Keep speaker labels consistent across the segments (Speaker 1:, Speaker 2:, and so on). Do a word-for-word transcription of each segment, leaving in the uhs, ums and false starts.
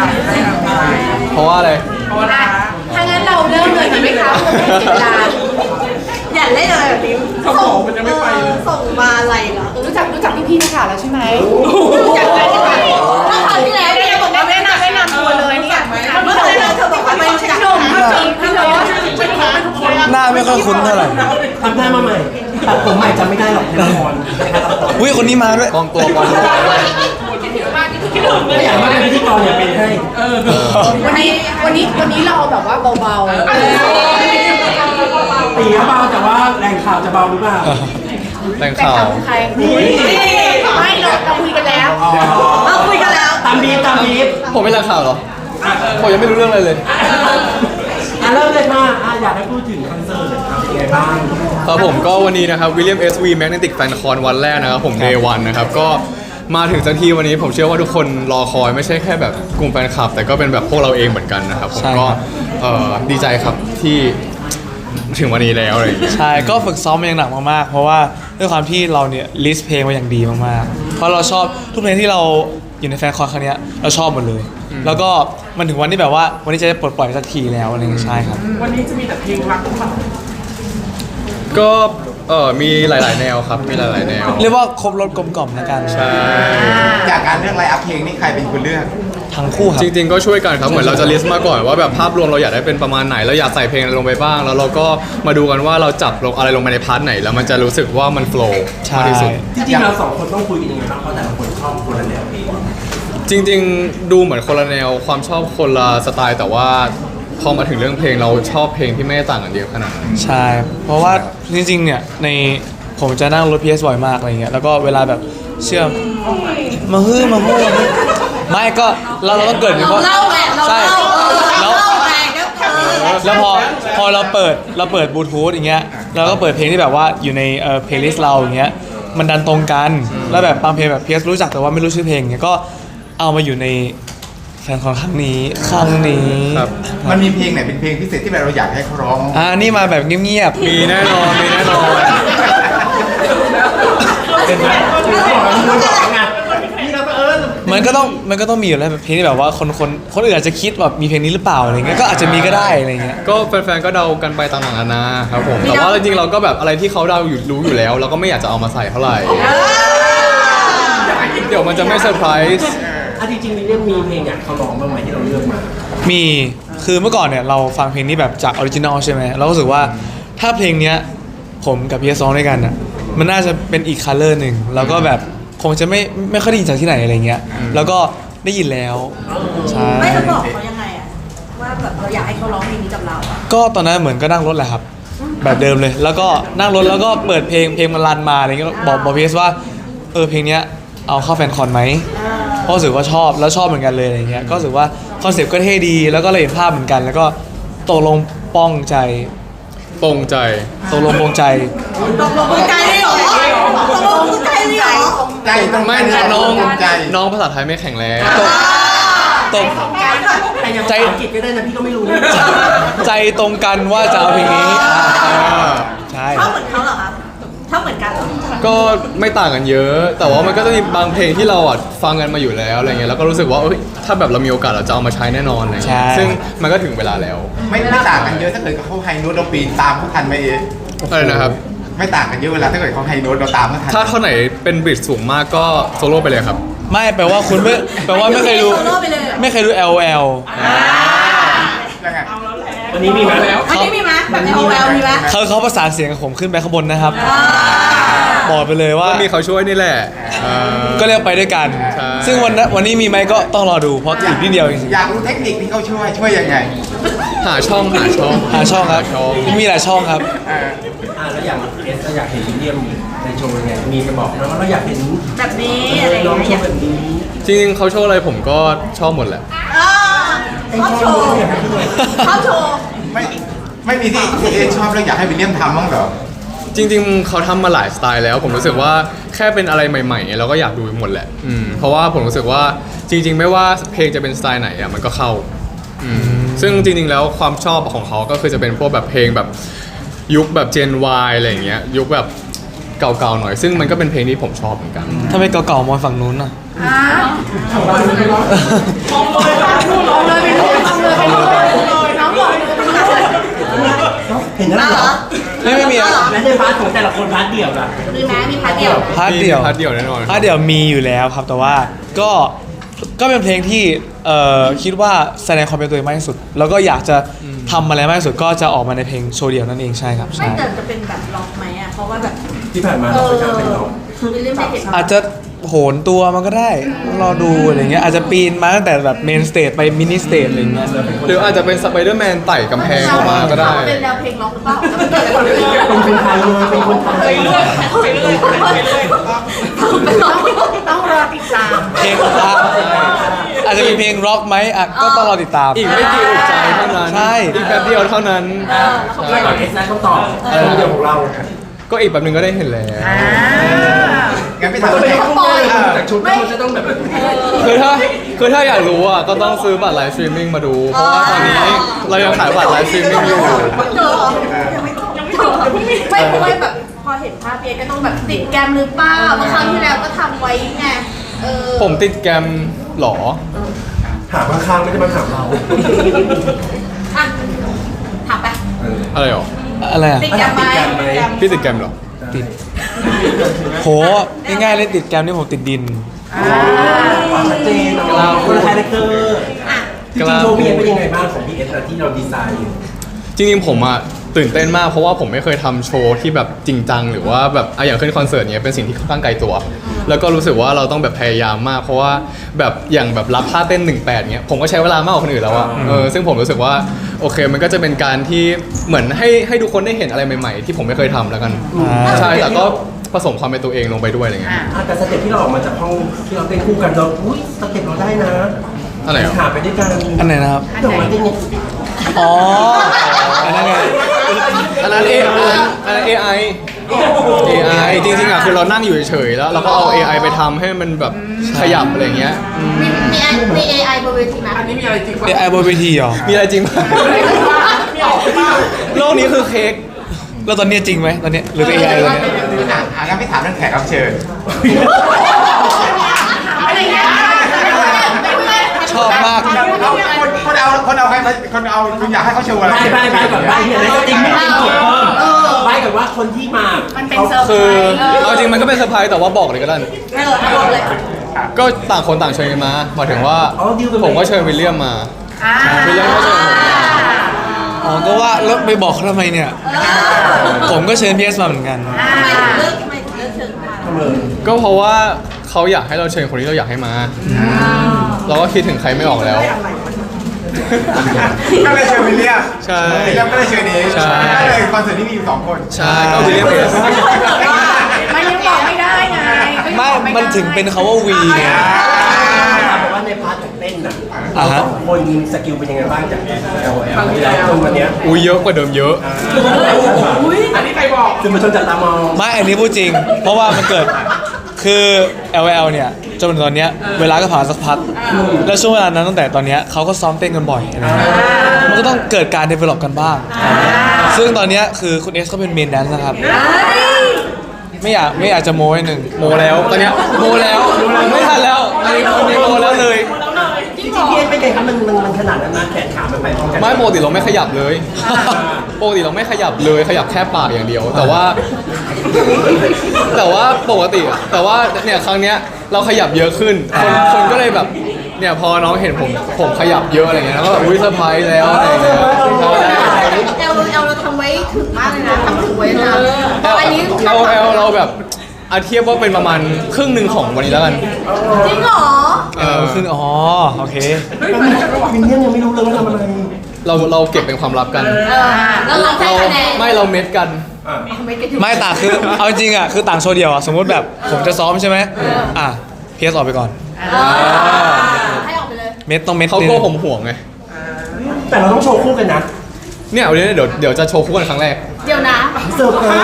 Speaker 1: เพราะว่าอะไร
Speaker 2: ถ้างั้นเราเริ่มเลยดีไหมคะเพื่อไม่เสียเวลาอย่าเล่นอะไรแบบนี้ส่งมันยังไม่ไปส่งมาอะไรเหรอรู้จักรู้จักพี่ๆนะคะแล้วใช่ไหมรู้จักกันใช่ไหมเมื่อคราวที่แล้วเนี่ยบอกว่าแนะนำแนะนำตัวเลยเนี่ยเมื่อคราวที่แล้วเธอบอกว่าเป็นหนุ่มพี่จริงพี่โน้ต
Speaker 3: หน้าไม่ค่อยคุ้นเท่าไหร่
Speaker 4: ทำหน้ามาใหม่ตัดผมใหม่จำไม่ได้หรอกละคร
Speaker 3: อุ้ยคนนี้มาด้วย
Speaker 1: กองตัวก่อน
Speaker 4: ไม่อยากมาเป็นพิธีกรอย่าเป็นให้
Speaker 2: วันนี้วันนี้วันนี้เราแบบว่าเบาๆ
Speaker 4: ตีเบาแต่ว่าแรงข่าวจะเบาหรือเปล่า
Speaker 1: แรงข่าว
Speaker 2: ใครไม่เราเราคุยกันแล้วเราคุยกันแล้ว
Speaker 4: ตามบีบตามบีบ
Speaker 1: ผมไม่แรงข่าวหรอผมยังไม่รู้เรื่องอะไรเลย
Speaker 4: อ่ะเริ่มเลยค่ะอยากให้พูดถึงคอนเสิร์ตเป็นยังไงบ้าง
Speaker 1: ครับผมก็วันนี้นะครับ William เอส วี Magnetic Fan Con วันแรกนะครับผม Day วันนะครับก็มาถึงสักทีวันนี้ผมเชื่อว่าทุกคนรอคอยไม่ใช่แค่แบบกลุ่มแฟนคลับแต่ก็เป็นแบบพวกเราเองเหมือนกันนะครับผมก็ดีใจครับที่ถึงวันนี้แล้วอะไรอย่างเงี้ย
Speaker 3: ใช่ก็ฝึกซ้อมมาอย่างหนักมากๆเพราะว่าด้วยความที่เราเนี่ยลิสต์เพลงมาอย่างดีมากๆเพราะเราชอบทุกเพลงที่เราอยู่ในแฟนคอนครั้งนี้เราชอบหมดเลยแล้วก็มันถึงวันที่แบบว่าวันนี้จะได้ปลดปล่อยสักทีแล้วอะไรอย่างเงี้ยใช่ครับ
Speaker 4: วันนี้จะมีแต่เพลงรักทุกคน
Speaker 1: ก็เออมีหลายๆแนวครับมีหลายๆแนว
Speaker 3: เรียกว่าครบรสกลมกล่อมแล้วกัน
Speaker 1: ใช่
Speaker 5: จากการเลือกไลน์อัพเพลงนี่ใครเป็นคนเลือก
Speaker 3: ทั้งคู่ครับ
Speaker 1: จริงๆก็ช่วยกันครับเหมือนเราจะลิสต์มาก่อนว่าแบบภาพรวมเราอยากได้เป็นประมาณไหนเราอยากใส่เพลงอะไรลงไปบ้างแล้วเราก็มาดูกันว่าเราจับลงอะไรลงไปในพาร์ทไหนแล้วมันจะรู้สึกว่ามันโฟล์มากที่สุด
Speaker 4: จริงๆเราสองคนต้องคุยกันยังไงบ้างเพราะแต่ละคนชอบคนละแนวเพลง
Speaker 1: จริงๆดูเหมือนคนละแนวความชอบคนละสไตล์แต่ว่าพอมาถึงเรื่องเพลงเราชอบเพลงที่ไม่ต่างกันเยอะขนาดนั้น
Speaker 3: ใช่เพราะว่าจริงๆเนี่ยในผมจะนั่งรถ พี เอส บ่อยมากอะไรเงี้ยแล้วก็เวลาแบบเชื่อมมาฮื้อมาฮื้อไม่ก็เราเราต้องเกิดเพราะใช่แล้วแล้วพอพอเราเปิดเราเปิดบลูทูธอย่างเงี้ยเราก็เปิดเพลงที่แบบว่าอยู่ในเอ่อเพลย์ลิสต์เราอย่างเงี้ยมันดันตรงกันแล้วแบบบางเพลงแบบ พี เอส รู้จักแต่ว่าไม่รู้ชื่อเพลงเงี้ยก็เอามาอยู่ในแฟนคอนครั้งนี้ครั้งนี้
Speaker 5: มันมีเพลงไหนเป็นเพลงพิเศษที่เราอยากให้เขาร้อง
Speaker 3: อ่านี่มาแบบเงียบ
Speaker 1: ๆมีแน่นอนมีแน่นอน
Speaker 3: มันก็ต้องมันก็ต้องมีอยู่แล้วแบบเพลงที่แบบว่าคนคนคนอื่นอาจจะคิดแบบมีเพลงนี้หรือเปล่าอะไรเงี้ยก็อาจจะมีก็ได้อะไรเงี้ย
Speaker 1: ก็แฟนๆก็เดากันไปต่างๆนานาครับผมแต่ว่าจริงๆเราก็แบบอะไรที่เขาเดาอยู่รู้อยู่แล้วเราก็ไม่อยากจะเอามาใส่เท่าไหร่เดี๋ยวมันจะไม่เซอร์ไพรส์
Speaker 4: อ่ะจริงๆมีเรื่องมีเพลงอยากเขาร้องบ้างไหมที่เราเลือกมา
Speaker 3: มีคือเมื่อก่อนเนี่ยเราฟังเพลงนี้แบบจากออริจินอลใช่ไหมเราก็รู้สึกว่าถ้าเพลงเนี้ยผมกับพีเอสร้องด้วยกันอ่ะมันน่าจะเป็นอีกคัลเลอร์หนึ่งแล้วก็แบบคงจะไม่ไม่ค่อยได้ยินจากที่ไหนอะไรเงี้ยแล้วก็ได้ยินแล้ว
Speaker 2: ใช่ไม่จะบอกเขายังไงอ่ะว่าแบบเราอยากให้เขาร้องเพลงนี้กับเราอ่ะ
Speaker 3: ก็ตอนนั้นเหมือนก็นั่งรถแหละครับแบบเดิมเลยแล้วก็นั่งรถแล้วก็เปิดเพลงเพลงมันรันมาอะไรเงี้ยบอกบอกพีเอสว่าเออเพลงเนี้ยเอาเข้าแฟนคอนไหมเพราะรู้สึกว่าชอบแล้วชอบเหมือนกันเลยอะไรเงี้ยก็รู้สึกว่าคอนเซ็ปต์ก็เท่ดีแล้วก็เลยเห็นภาพเหมือนกันแล้วก็ตกลงป้องใจ
Speaker 1: ปงใจ
Speaker 3: ตกลงปงใจ
Speaker 2: ตกลงปงใจได้หรอตกลงปงใจได้หรอ
Speaker 5: ใจต้อง
Speaker 1: ไม่น้องน้องภาษาไทยไม่แข็งแรง
Speaker 3: ตก
Speaker 4: ใจอังกฤษก็ได้นะพี่ก็ไม่รู้
Speaker 3: ใจตรงกันว่าจะเอาเพลงนี้
Speaker 2: ใช่ชอบเหมือนเขาเหรอครับชอบเหมือนกัน
Speaker 1: ก็ไม่ต่างกันเยอะแต่ว่ามันก็จะมีบางเพลงที่เราอ่ะฟังกันมาอยู่แล้วอะไรเงี้ยแล้วก็รู้สึกว่าถ้าแบบเรามีโอกาสเราจะเอามาใช้แน่นอนอะไรเงี้ยซึ่งมันก็ถึงเวลาแล้ว
Speaker 5: ไม่ไม่ต่างกันเยอะถ้าเกิดเขาไฮโน้ตเราปีนตามเขาทันไหมเอ๊ะ
Speaker 1: อะไรนะครับ
Speaker 5: ไม่ต่างกันเยอะเวลาถ้าเกิดเขาไฮโน้ตเราตามเขาทัน
Speaker 1: ถ้าเท่าไหนเป็นบริดจ์สูงมากก็โซโล่ไปเลยครับ
Speaker 3: ไม่แปลว่าคุณไม่แปลว่าไม่เคยดูไม่เคยดู แอล แอล
Speaker 4: วันนี้มีมาแล้ว
Speaker 2: วันนี้มีมั้ยแบบใน โอ แอล มีมั้ย
Speaker 3: เขาเขาประสานเสียงกับผมขึ้นไปข้างบนนะครับบอกไปเลยว่า
Speaker 1: มีเขาช่วยนี่แหละ
Speaker 3: ก็เรียกไปด้วยกันซึ่งวันวันนี้มีไหมก็ต้องรอดูเพราะอีกนิดเดียวจริง
Speaker 5: ๆอยากรู้เทคนิคที่เขาช่วยช่วยยังไง
Speaker 1: หาช่องหาช่อง
Speaker 3: หาช่องครับมีหลายช่องครับ
Speaker 4: อ่าแล้วอย่างเอสเราอยากเห็นวิลเลียมในโชว์ยังไงมีจะบอกนะว่าเราอยากเห็น
Speaker 2: แบบนี้อะไรอย่างเงี้ยแบบนี้
Speaker 1: จริงๆเขาโชว์อะไรผมก็ชอบหมดแหละ
Speaker 2: ชอบโชว์ชอบโชว์
Speaker 5: ไม่ไม่มีที่เอชอบแล้วอยากให้วิลเลียมทำบ้างเหรอ
Speaker 1: จริงๆเขาทำมาหลายสไตล์แล้วผมรู้สึกว่าแค่เป็นอะไรใหม่ๆเราก็อยากดูหมดแหละอืมเพราะว่าผมรู้สึกว่าจริงๆไม่ว่าเพลงจะเป็นสไตล์ไหนอ่ะมันก็เข้าอืมซึ่งจริงๆแล้วความชอบของเขาก็คือจะเป็นพวกแบบเพลงแบบยุคแบบ Gen Y อะไรอย่างเงี้ยยุคแบบเก่าๆหน่อยซึ่งมันก็เป็นเพลงที่ผมชอบเหมือนกัน
Speaker 3: ถ้าไม่เก่าๆมองฝั่งนู้นอ่ะ
Speaker 2: อ้าว
Speaker 3: มีอะ
Speaker 4: และในพาร์ทของแต่ละคนพาร์ทเดี่ยวล่ะ
Speaker 2: มีไหมมีพาร์ทเดียว
Speaker 3: พาร์ทเดี่ยว
Speaker 1: พาร์ทเดี่ยวแน่นอน
Speaker 3: พาร์ทเดี่ยวมีอยู่แล้วครับแต่ว่าก็ก็เป็นเพลงที่เอ่อคิดว่าแสดงความเป็นตัวเองมากที่สุด แล้วก็อยากจะทำอะไรมากที่สุดก็จะออกมาในเพลงโชว์เดี่ยวนั่นเองใช่ครับ
Speaker 2: ไม่
Speaker 3: ใช่
Speaker 2: แต่จะเป็นแบบล็อกไหมอ่ะเพราะว่าแบบ
Speaker 4: ที่ผ่านมา
Speaker 2: เอ
Speaker 4: เรา
Speaker 2: อ
Speaker 4: ไม่กล้าเป็นน้อง
Speaker 2: คือเรื่องไม่เห็น
Speaker 3: อาจจะโหนตัวมันก็ได้ต้องรอดูอะไรเงี้ยอาจจะปีนมาตั้งแต่แบบเมนสเตจไปมินิสเตจอะไรเงี้ย
Speaker 1: หรืออาจจะเป็นสไปเดอร์แมนไต่กำแพงเข้ามาก็ได้
Speaker 2: เป็นแนวเพลงล็อกหรือเปล่าแล้วมันเกิดอะไรขึ้น
Speaker 4: เป็นคนไทยเลยเป็นคนไทย
Speaker 2: ไปเรื่อยไปเรื่อยต้องรอติดตาม
Speaker 3: เพลงร็อกอาจจะมีเพลงร็อกไหมอ่ะก็ต้องรอติดตาม
Speaker 1: อีกไม่กี่อึดใจเท่านั้น
Speaker 3: ใช่
Speaker 1: อีกแป๊บเดียวเท่านั้น
Speaker 4: ใช่ก่อนเอสได้คำตอบโชว์เดี่ยวของเรา
Speaker 1: ก็อีกแป๊บนึงก็ได้เห็นแล้ว
Speaker 5: งั้นพี่
Speaker 4: มัน
Speaker 5: ถาม
Speaker 4: ก็
Speaker 5: ว่า
Speaker 4: เป็นต้องเลยแต่ชุดมันจะต้องแบบ
Speaker 1: คือถ้าคือถ้าอยากรู้อ่ะก็ต้องซื้อบัตรไลฟ์สตรีมมิ่งมาดู เพราะว่าตอนนี้เรายังขายบัตรไลฟ์สตรีมมิ่งอยู่
Speaker 2: เจอเหรอยังไม่เจอไม่เพราะว่าแบบพอเห็นภาพเพียก็ต้องแบบติดแกมหรือเปล่าเมื่อครั้งที่แล้วก็ทำไว้ไงเออ
Speaker 1: ผมติดแกรมหรอ
Speaker 4: ถามข้างๆไม่ได้มาถามเรา
Speaker 2: อ่ะถามไป
Speaker 1: อะไรหรอ
Speaker 3: อะไรอ่ะ
Speaker 2: ติดแกมไหม
Speaker 1: พี่ติดแกรมหรอ
Speaker 3: โหง่ายๆเลยติดแกรมนี่ผมติดดิน
Speaker 4: ชัดเจนเราคนละคาแรคเตอร์จริงๆโชว์พี่เอสเป็นยังไงบ้างของพี่เอสที่เราดีไซน์อยู่
Speaker 1: จริงๆผมอะตื่นเต้นมากเพราะว่าผมไม่เคยทำโชว์ที่แบบจริงจังหรือว่าแบบอะอย่างขึ้นคอนเสิร์ตเนี้ยเป็นสิ่งที่ค่อนข้างไกลตัว แล้วก็รู้สึกว่าเราต้องแบบพยายามมาก เพราะว่าแบบอย่างแบบรับท่าเต้นหนึ่งแปดเนี้ยผมก็ใช้เวลามากกว่าคนอื่นแล้วอะเออซึ่งผมรู้สึกว่าโอเคมันก็จะเป็นการที่เหมือนให้ให้ทุกคนได้เห็นอะไรใหม่ๆ ที่ผมไม่เคยทำแล้วกัน
Speaker 3: อ่า
Speaker 1: ใช่แต่ก็ผสมความเป็นตัวเองลงไปด้วยอะไรเงี้ย
Speaker 4: อ่ะแต่สเต็ปที่เราออกมาจากห้องที่เราเต้นคู่กันเราอุ้ยสเต็ปเราได้นะ
Speaker 1: อะไรหรอ
Speaker 4: หาไปด้วยกัน
Speaker 3: อันไหนนะครับ
Speaker 4: ดอกไม้เต้นเนี่ย
Speaker 3: อ๋ออันนั้นไง
Speaker 1: อันนั้น A อันนั้นอันนั้น เอ ไอ เอ ไอ จริงๆอะคือเรานั่งอยู่เฉยๆแล้วเราก็เอา เอ ไอ ไปทำให้มันแบบขยับอะไรเงี้ยอืม
Speaker 2: มีมีมี เอ ไอ บนเวทีไหมอันนี้มีอะไรจริง
Speaker 3: เอไอบนเวทีเหรอ
Speaker 1: มีอะไรจริงไหมโลกนี้คือเค้ก
Speaker 3: แล้วตอนนี้จริงไหมตอนนี้หรือเอไอตอนนี้
Speaker 5: อ่ะอ่ะงั้นพี่ถามเรื่องแขกรับเชิญ
Speaker 2: อะไรเงี้ย
Speaker 3: ชอบมาก
Speaker 5: เอาคนคนเอาคนเอาใครคนเอาคุณอยากให้เขาโชว์อะไร
Speaker 4: ใบใบใบก่อนใบเนี่ยในสติงไม่จริงจบเพิ่มใบก่อนว่าคนที่มา
Speaker 2: มันเป็นเซอร์ไพร
Speaker 1: คือ
Speaker 2: ส์
Speaker 1: เอาจริงมันก็เป็นเซอร์ไพรส์แต่ว่าบอกเลยก็ได้
Speaker 2: เออเอาบอกเลย
Speaker 1: ก็ต่างคนต่างเชิญกันมาหมายถึงว่าผมก็เชิญวิลเลียมมา
Speaker 2: อ่า
Speaker 1: วิลเลียมก็เชิญผม
Speaker 3: อ๋อ ก็ว่าแล้วไปบอกเขาทำไมเนี่ย ผมก็เชิญพีเอสมาเหมือนกัน
Speaker 2: ทำไมถึงเลือกทำไมถึงเลือกเชิญมา
Speaker 4: ทำเลย
Speaker 1: ก็เพราะว่าเขาอยากให้เราเชิญคนที่เราอยากให้มา เราก็คิดถึงใครไม่ออกแล้ว
Speaker 5: ก็เลยเชิญวิลเลียม
Speaker 1: ใช่
Speaker 5: วิลเลียมก็เลยเชิญเอง
Speaker 1: ใช่
Speaker 5: ก็เลยคอนเสิร์ตที่มีอยู่สองคน
Speaker 1: ใช่ก็วิลเลียมเอส
Speaker 2: มันยังบอกไม่ได้ไง
Speaker 3: ไม่ มันถึงเป็นคาว่าวีไง
Speaker 4: ถามว่าในพาร์ทของเต้นน่ะ
Speaker 3: อ่า
Speaker 4: เรา
Speaker 3: ฮะ
Speaker 4: สองคนยิงสกิลเป็นยังไงบ้างจาก แอล แอล แล้วจนวันเนี้ย
Speaker 1: อุ้ยเยอะกว่าเดิมเยอะ
Speaker 4: อันนี้ใครบอกคือมันชนจัดตามอง
Speaker 3: ไม่ อันนี้พูดจริง เพราะว่ามันเกิด คือ แอล แอล เนี่ย จนถึงตอนเนี้ย เวลาก็ผ่านสักพัก แล้วช่วงเวลานั้นตั้งแต่ตอนเนี้ยเขาก็ซ้อมเต้นกันบ่อยอะไรเงี้ยมันก็ต้องเกิดการ develop กันบ้าง ซึ่งตอนเนี้ยคือคุณเอสเขาเป็นเมนแดนซ์นะครับ ไม่อยากไม่อยากจะโม้ให้หนึ่ง
Speaker 1: โมแล้วตอนเนี้ยโมแล้วไม่ทันแล้วอันนี้อันนี้โมแล้วเลย
Speaker 4: จริงๆพี่เอสเป็นไงครับมันมันมันขนาดนั้นนะแขนขามันไปพร้อมกัน
Speaker 1: ไม่ปกติเราไม่ขยับเลยปกติเราไม่ขยับเลยขยับแค่ปากอย่างเดียว แต่ว่า แต่ว่าปกติอะแต่ว่าเนี่ยครั้งเนี้ยเราขยับเยอะขึ้น คนคนก็เลยแบบเนี่ยพอน้องเห็นผมผมขยับเยอะอะไรเงี้ยแล้วก็แบบอุ้ยเซอร์ไพรส์แล้วอะไรเงี้ยใช่
Speaker 2: เอลเอลเราทำไว้ถึงมากเลยนะทำถึงไว้นะ
Speaker 1: เอล
Speaker 2: อันนี้
Speaker 1: เอลเอลเราแบบอาเทียบว่าเป็นประมาณครึ่งหนึ่งของวันนี้แล้วกัน
Speaker 2: จริงเหรอ
Speaker 3: เออขึ้นอ๋อ โอเค
Speaker 4: วินเนียมยังไม่รู้เลยว่าทำอะไร
Speaker 1: เราเราเก็บเป็นความลับกัน
Speaker 2: เออแล้วเราให้
Speaker 1: เรา
Speaker 2: คะแนน
Speaker 1: ไม่เราเม็ดกัน
Speaker 2: ไม่กันอยู่
Speaker 3: ไม่ต่างคือ เอาจริงๆอ่ะ คือต่างโชว์เดียวอ่ะ สมมติแบบผมจะซ้อมใช่ไหมอ่ะพีเอสออกไปก่อน
Speaker 2: เออให้ออกไปเลย
Speaker 3: เม็ดต้องเม็ด
Speaker 1: เขา
Speaker 3: นึ
Speaker 1: กลัว
Speaker 3: ง
Speaker 1: ผมห่วงไง
Speaker 4: แต่เราต้องโชว์คู่กันนะ
Speaker 1: เนี่ยวันนี้เดี๋ยวเดี๋ยวจะโชว์คู่กันครั้งแรก
Speaker 2: เดี๋ยวนะ
Speaker 4: เสิร์ฟเลย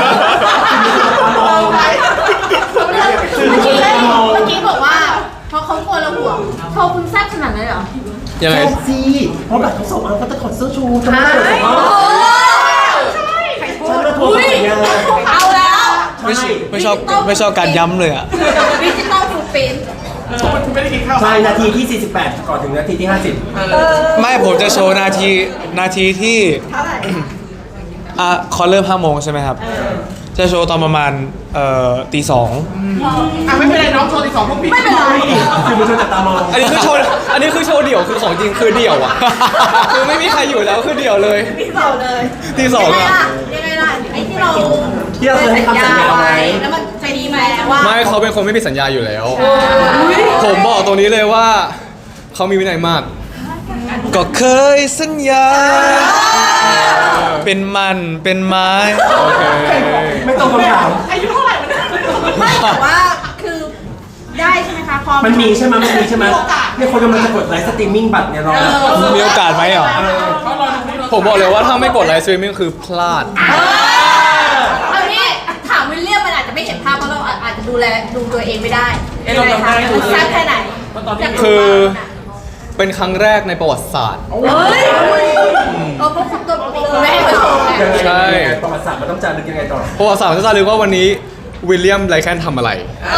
Speaker 2: เมื่อกี้เมื่อกี้บอกว่าเพราะเขากลัวเราห่วงโชว์คุณแซ่บขนาดนั้นเหรอ
Speaker 1: ยังไง
Speaker 4: แซ่บซีเพราะแบบเขาส่งมาเขาจะถอดเสื้อชูจะไม่เปิดของ
Speaker 2: โอ้
Speaker 4: เขา
Speaker 2: ใช่ใครพู
Speaker 4: ฉัน
Speaker 2: ด
Speaker 4: มาโทรใส่งาน
Speaker 2: เอาแล้ว
Speaker 3: ไม่ชไม่ชอบไม่ชอบการย้ำเลยอ่ะ
Speaker 2: ดิจิตอลฟูดปรินท์
Speaker 4: ใช่นาทีที่สี่สิบแปดก่อนถึงนาทีที่ห้าสิบ
Speaker 3: ไม่ผมจะโชว์นาทีนาทีที่อ่ะคอนเริ่มห้าโมงใช่ไหมครับจะโชว์ตอนประมาณเอ่อตีสอง
Speaker 5: อ่ะไม่เป็นไรน้องโชว์อีกสองพวกพี่
Speaker 2: ไม่เป็นไร
Speaker 4: คือมันชวนจับตามอง
Speaker 1: อันนี้คือโชว์อันนี้คือโชว์เดี่ยวคือของจริงคือเดี่ยวอ่ะ คือไม่มีใครอยู่แล้วคือเดี่ยวเลย
Speaker 2: พี่เสาเลย
Speaker 1: ตีสอง
Speaker 2: ยังไง
Speaker 1: อ่ะ
Speaker 2: ล่ะยังไงล่ะไอ้ที่เรา
Speaker 4: ที่เราเคยให้คำสัญญาไว้
Speaker 2: แล้วมันใจดีไหมว่า
Speaker 1: ไม่เขาเป็นคนไม่มีสัญญาอยู่แล้ว ผมบอกตรงนี้เลยว่าเขามีวินัยมาก
Speaker 3: ก็เคยสัญญา เป็นมันเป็นไม้
Speaker 1: โอเค
Speaker 4: ไม่ตรงคำถาม
Speaker 2: อายุเท่าไหร่มันไม่แต่ว่าคือได้ใช่ไหมคะพอ
Speaker 4: มันมีใช่ไหมมันมีใช่ไหมเนี่ยคนกำลังจะกดไลฟ์สตรีมมิ่งบัตรเนี่ยรอ
Speaker 3: มีโอกาสไหมเหรอ
Speaker 1: ผมบอกเลยว่าถ้าไม่กดไลฟ์สตรีมมิ่งคือพลาด
Speaker 2: เอางี้ถามวิลเลียมมันอาจจะไม่เห็นภาพเพราะเราอาจจะดูแลดูตัวเองไม่ได้ยังไงคะมันแซ่บแค่ไหน
Speaker 1: คือเป็นครั้งแรกในประวัติศาสตร์
Speaker 2: เฮ้ยเออเพราะคุณตัวปกติคือไม่ให้เขาโชว์ไง
Speaker 1: ใช่
Speaker 4: ประวัติศาสตร์มันต้องจารึกยังไงต่อ
Speaker 1: ประวัติศาสตร์จะรู้ว่าวันนี้วิลเลียมไรแคนทำอะไร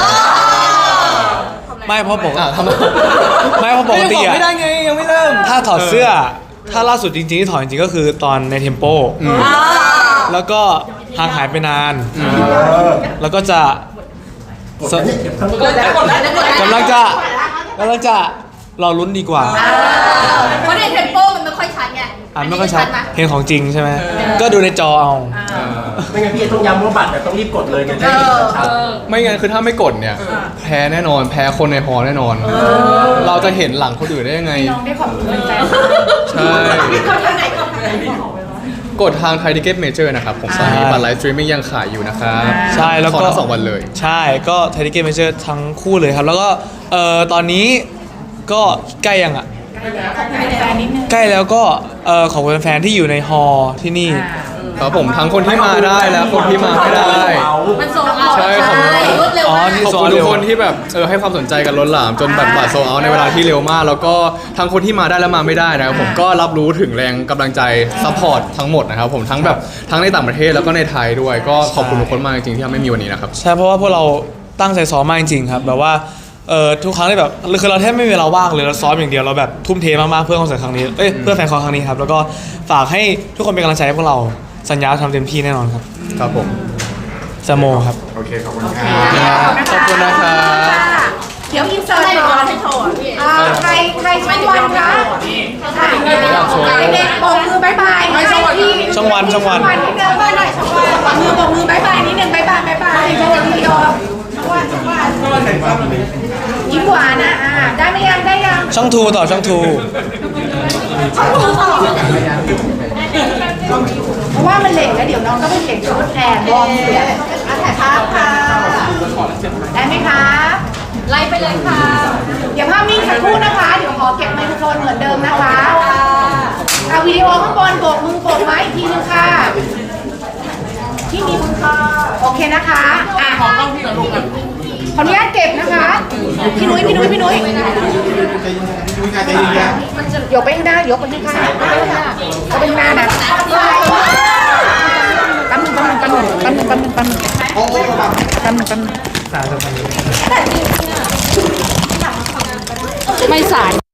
Speaker 3: ไม่เพราะปก
Speaker 1: อ่ะทำอะไร
Speaker 3: ไม่เพราะปกติ
Speaker 1: ยังบ
Speaker 3: อะ
Speaker 1: ไม่ได้ไงยังไม่เริ่ม
Speaker 3: ถ้าถอดเสื้อ ถ้าล่าสุดจริงๆที่ถอดจริงๆก็คือตอนในเทมโป แล้วก็ห่างหายไปนาน แล้วก็จะส
Speaker 2: กดแล้วกดแล้วกดแล้ว
Speaker 3: กำลังจะกำลังจะรอลุ้นดีกว่า
Speaker 2: เพราะในเทมโปมันไม่ค่อยชัดไง
Speaker 3: อ่านไม่ค่อยชัด
Speaker 2: ไหม
Speaker 3: เห็นของจริงใช่ไหม ก็ดูในจอเอา
Speaker 4: ไม่งั้นพี่เอต้องย้ำว่าบัตรเนี่ยต้องรีบกดเลยกันจะได้เห็นชัด
Speaker 1: ไม่งั้นคือถ้าไม่กดเนี่ย แพ้แน่นอน แพ้คนในฮอลล์แน่นอน เราจะเห็นหลังคนอื่นได้ยังไง
Speaker 2: น้องได้ขอบคุณแฟน
Speaker 1: ใช่
Speaker 2: กดทางไหนกดทางไหน
Speaker 1: กดทางไทยทิเก็ตเมเจอร์นะครับ ผมตอนนี้บัตรไลฟ์สตรีมมิ่งยังขายอยู่นะครับ
Speaker 3: ใช่แล้วก็
Speaker 1: ของทั้งสองวันเลย
Speaker 3: ใช่ก็ไทยทิเก็ตเมเจอร์ทั้งคู่เลยครับ แล้วก็เอ่อตอนนี้ก็ใกล้ยังอ่ะ ใกล้แล้วก็เอ่อขอบคุณแฟนๆที่อยู่ในฮอลล์ที่นี่
Speaker 1: ครับผมทั้งคนที่มาได้และคนที่มาไม่ได้
Speaker 2: มันส่งเอา
Speaker 1: ใช่ขอบคุณ
Speaker 2: รวดเร็ว
Speaker 3: อ๋อ
Speaker 2: มาก
Speaker 3: นี่
Speaker 1: ขอบคุณทุกคนที่แบบเออให้ความสนใจกันล้นหลาม จนแบบบัตรโซลเอาท์ในเวลาที่เร็วมาก แล้วก็ทั้งคนที่มาได้และมาไม่ได้นะครับผมก็รับรู้ถึงแรงกำลังใจซัพพอร์ตทั้งหมดนะครับผมทั้งแบบทั้งในต่างประเทศแล้วก็ในไทยด้วย ก็ขอบคุณทุกคนมากจริงๆที่ทำให้มีวันนี้นะครับ
Speaker 3: ใช่เพราะว่าพวกเราตั้งใจซ้อมมากจริงๆครับแบบว่าเอ่อทุกครั้งที่แบบคือเราแทบไม่มีเวลาว่างเลยเราซ้อมอย่างเดียวเราแบบทุ่มเทมากๆเพื่อคอนเสิร์ตครั้งนี้เอ้ยเพื่อแฟนคอนครั้งนี้ครับแล้วก็ฝากให้ทุกคนเป็นกำลังใจให้พวกเราสัญญาทำเต็มที่แน่นอนครับ
Speaker 1: ครับผม
Speaker 3: สโมครับ
Speaker 5: โอเคขอบคุณครับ
Speaker 1: ขอบคุณนะครับ
Speaker 2: เดี๋ยวอินเสิร์ตก่อนให้โชว์พี่
Speaker 6: อ่าใครใครช่องวันคะอ่ะ
Speaker 1: อยากโชว์
Speaker 6: เด็กๆโบกมือบายบายให้ที่
Speaker 3: ช่องวันช่องวัน
Speaker 6: วันนิดนึงหน่อยช่องวันมือโบกมือบายบายนิดนึงบายบายบายบายช่องวันวิดีโอช่องวันช่องวันยิ้มหวานนะอ่าได้ไหมยังได้ยัง
Speaker 3: ช่องทูต่อช่องทู
Speaker 6: เพราะว่ามันเหล็กแล้วเดี๋ยวน้องก็ไปเปลี่ยนชุดแทนวอร์มเสียงอ่ะถ่ายภาพค่ะได้ไหมคะ
Speaker 2: ไล่ไปเลยค่ะ
Speaker 6: เดี๋ยวภาพนิ่งสักครู่นะคะ เดี๋ยวขอเก็บไมโครโฟนเหมือนเดิมนะคะอ่ะวิดีโอข้างบนโบกมือโบกไม้อีกทีนึงค่ะ ที่มีคุณค่ะโอเคนะคะอ่ะขอต้องพี่กับลูกขออนุญาตเก็บนะคะ พี่นุ้ยพี่นุ้ยพี่นุ้ย
Speaker 5: ดูการใจเย็น
Speaker 6: ยกไปข้างหน้ายกไปข้างหน้ายกไปข้างหน้านะแป๊บนึงแป๊บนึงแป๊บนึงแป๊บนึงแป๊บนึงแป๊บนึง
Speaker 5: โอ้โห
Speaker 6: แป๊บนึงแป๊บนึง
Speaker 2: ไม่สาย